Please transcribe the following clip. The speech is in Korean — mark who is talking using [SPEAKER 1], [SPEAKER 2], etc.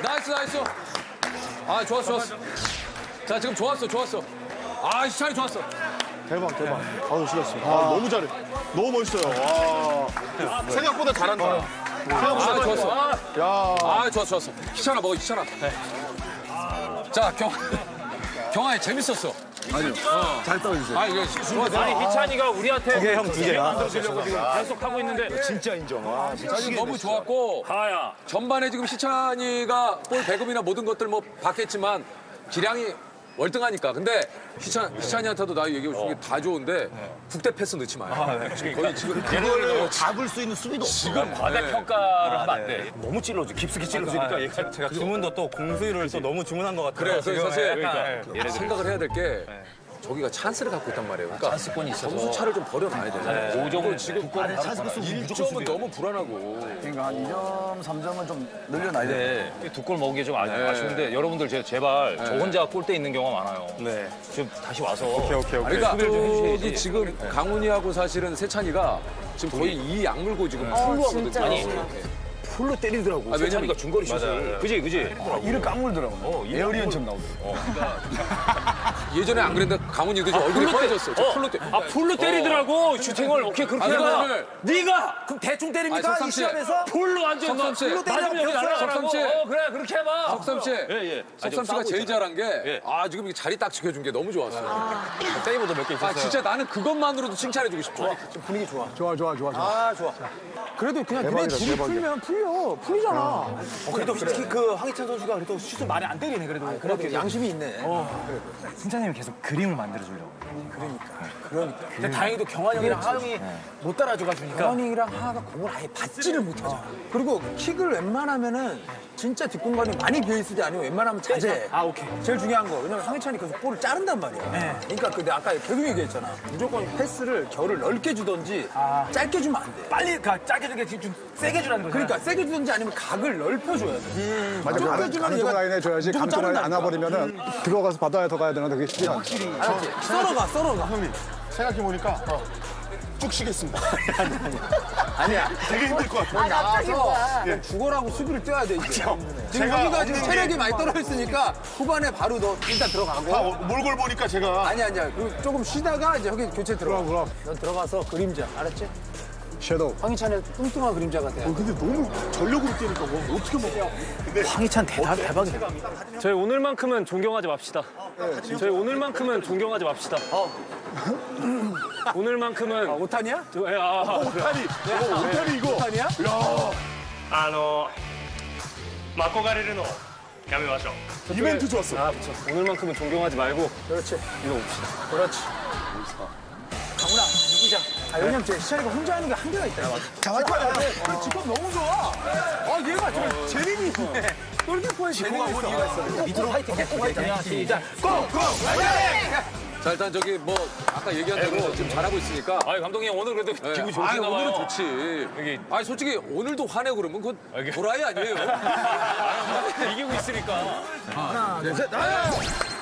[SPEAKER 1] 나이스, 나이스. 아, 좋았어, 좋았어. 자, 지금 좋았어, 좋았어. 아, 시찬이 좋았어.
[SPEAKER 2] 대박, 대박. 아우, 실렸어. 아, 너무 잘해. 너무 멋있어요. 와. 생각보다 잘한다.
[SPEAKER 1] 아, 좋았어.
[SPEAKER 2] 야.
[SPEAKER 1] 아, 좋았어, 좋았어. 희찬아 먹어, 희찬아. 자, 경아이 재밌었어.
[SPEAKER 2] 아니요. 잘 떨어주세요.
[SPEAKER 1] 아, 이거 좋아.
[SPEAKER 3] 아니 희찬이가 우리한테
[SPEAKER 2] 게 형, 두 개.
[SPEAKER 3] 만들어주려고 지금 계속 하고 있는데
[SPEAKER 2] 진짜 인정. 와,
[SPEAKER 1] 지금 너무 좋았고
[SPEAKER 3] 하야
[SPEAKER 1] 전반에 지금 희찬이가 볼 배급이나 모든 것들 뭐 받겠지만 기량이 월등하니까. 근데 희찬이한테도 나 얘기해 준 게 다 좋은데 국대 패스 넣지 마요. 거의 지금
[SPEAKER 2] 그걸 잡을 수 있는 수비도 없어.
[SPEAKER 1] 지금
[SPEAKER 3] 과대평가를 하면 안 돼. 너무 찔러줘 깊숙이 찔러주니까 얘가
[SPEAKER 4] 제가 주문도 또 공수율을 또 너무 주문한 것 같아요.
[SPEAKER 1] 그래요. 그래서 사실
[SPEAKER 3] 그러니까.
[SPEAKER 1] 생각을 해야 될 게 저기가 찬스를 갖고 있단 말이에요. 그러니까
[SPEAKER 3] 찬스권이 있어서.
[SPEAKER 1] 점수 차를 좀 버려놔야 돼.
[SPEAKER 3] 5점을
[SPEAKER 1] 지금 1점은 너무 불안하고.
[SPEAKER 2] 그러니까 한 2점, 3점은 좀 늘려놔야 돼.
[SPEAKER 3] 두 골 먹은 게 좀 아쉬운데 여러분들 제발 저 혼자 골대 있는 경우가 많아요.
[SPEAKER 4] 네.
[SPEAKER 3] 지금 다시 와서
[SPEAKER 4] 오케이.
[SPEAKER 1] 그러니까
[SPEAKER 3] 수비를 좀 해주셔야지.
[SPEAKER 1] 저기 지금 강훈이하고 사실은 세찬이가 지금 거의 이 약물고 지금 풀로 하거든요.
[SPEAKER 3] 아니 풀로 때리더라고.
[SPEAKER 1] 아,
[SPEAKER 3] 세찬이가 중거리 슛을. 그지?
[SPEAKER 2] 이를 깡물더라고. 에어리언처럼 나오더라고.
[SPEAKER 1] 예전에 안 그랬는데 강훈이도 지금 얼굴이 빨개졌어. 저 풀로 때.
[SPEAKER 3] 아 풀로 때리더라고 슈팅을. 오케이 그렇게
[SPEAKER 1] 아니,
[SPEAKER 3] 해봐.
[SPEAKER 1] 오늘-
[SPEAKER 3] 네가
[SPEAKER 2] 그럼 대충
[SPEAKER 1] 아니,
[SPEAKER 2] 때립니까?
[SPEAKER 1] 석삼
[SPEAKER 2] 이
[SPEAKER 1] 씨.
[SPEAKER 2] 시합에서?
[SPEAKER 3] 풀로 완전
[SPEAKER 1] 석삼 씨.
[SPEAKER 3] 풀로 때리면 여기 날아가라고.
[SPEAKER 1] 석삼 씨.
[SPEAKER 3] 그래 그렇게 해봐.
[SPEAKER 1] 석삼 씨.
[SPEAKER 3] 예.
[SPEAKER 1] 석삼 씨가 제일 잘한 게 지금 이 자리 딱 지켜준 게 너무 좋았어.
[SPEAKER 4] 세이브도 몇 개 있었어요.
[SPEAKER 1] 아 진짜 나는 그것만으로도 칭찬해주고 싶어.
[SPEAKER 2] 분위기 좋아.
[SPEAKER 5] 좋아.
[SPEAKER 2] 아, 좋아.
[SPEAKER 5] 그래도 그냥
[SPEAKER 2] 대박이다,
[SPEAKER 5] 둘이
[SPEAKER 2] 대박이야.
[SPEAKER 5] 풀면 풀리잖아.
[SPEAKER 2] 그래도 특히 그 황희찬 선수가 그래도 슛을 많이 안 때리네, 그래도. 그래도 양심이 있네.
[SPEAKER 4] 승찬님이 계속 그림을 만들어주려고.
[SPEAKER 2] 근데 다행히도 경환 형이랑 하영이 못 따라줘가 주니까.
[SPEAKER 5] 경원이랑 하하가 공을 아예 받지를 못하잖아. 그리고 킥을 웬만하면은 진짜 뒷공간이 많이 비어있을 때 아니면 웬만하면 자제해.
[SPEAKER 2] 아, 오케이.
[SPEAKER 5] 제일 중요한 거. 왜냐면 황희찬이 계속 볼을 자른단 말이야. 그러니까 내가 아까 계속 얘기했잖아. 무조건 패스를 결을 넓게 주던지 짧게 주면 안 돼.
[SPEAKER 2] 빨리 짧게 주게 좀 세게 주라는 거죠.
[SPEAKER 5] 그러니까 세게 주든지 아니면 각을 넓혀줘야 돼.
[SPEAKER 6] 맞아,
[SPEAKER 5] 좁게 주면
[SPEAKER 6] 가는 쪽
[SPEAKER 5] 얘가
[SPEAKER 6] 라인에 줘야지.
[SPEAKER 5] 무조건
[SPEAKER 6] 가는 쪽 라인 안
[SPEAKER 5] 자른다니까.
[SPEAKER 6] 와버리면은 들어가서 받아야 더 가야 되는데 그게 쉽지 않아.
[SPEAKER 5] 알았지? 썰어가.
[SPEAKER 2] 생각해보니까 쭉 쉬겠습니다.
[SPEAKER 5] 아니야.
[SPEAKER 2] 되게 힘들 것 같아요.
[SPEAKER 5] 나와서 죽어라고 수비를 뛰어야 돼, 이제. 지금
[SPEAKER 2] 제가
[SPEAKER 5] 여기가 지금
[SPEAKER 2] 없는
[SPEAKER 5] 체력이
[SPEAKER 2] 게-
[SPEAKER 5] 많이 떨어졌으니까 후반에 바로 너 일단 들어가고.
[SPEAKER 2] 몰골 보니까 제가
[SPEAKER 5] 아니야. 그리고 조금 쉬다가 이제 여기 교체 들어가.
[SPEAKER 6] 그럼.
[SPEAKER 5] 넌 들어가서 그림자, 알았지?
[SPEAKER 6] 섀도우.
[SPEAKER 5] 황희찬의 뚱뚱한 그림자가 돼.
[SPEAKER 2] 근데 너무 전력으로 뛰니까 뭐 어떻게 먹어?
[SPEAKER 4] 황희찬 대박이다.
[SPEAKER 3] 저희 오늘만큼은 존경하지 맙시다. 저희 오늘만큼은 존경하지 맙시다. 오늘만큼은
[SPEAKER 5] 오탄이야?
[SPEAKER 2] 오타니, 오타니 이거.
[SPEAKER 5] 오탄이야?
[SPEAKER 7] 憧れるのやめましょう。
[SPEAKER 2] 이벤트 좋았어.
[SPEAKER 3] 아, 그쵸. 오늘만큼은 존경하지 말고
[SPEAKER 5] 그렇지.
[SPEAKER 3] 이거 봅시다.
[SPEAKER 5] 그렇지. 강훈아, 이기자. 왜냐면 제 시찬이가 혼자 하는 게 한계가 있다. 잘할 거야. 직업 너무 좋아. 얘가 좀 재능이 있네. 골키퍼에 재능이 있어.
[SPEAKER 2] 밑으로 화이팅.
[SPEAKER 5] 시작. 고!
[SPEAKER 1] 자 일단 저기 뭐 아까 얘기한 대로 지금 잘하고 있으니까.
[SPEAKER 3] 아 감독님 오늘 그래도 기분이
[SPEAKER 1] 아니,
[SPEAKER 3] 좋으신가 봐요.
[SPEAKER 1] 오늘은 좋지.
[SPEAKER 3] 여기-
[SPEAKER 1] 아니 솔직히 오늘도 화내고 그러면 그건 도라이 아니에요.
[SPEAKER 3] 이기고 있으니까.
[SPEAKER 5] 하나, 둘, 셋.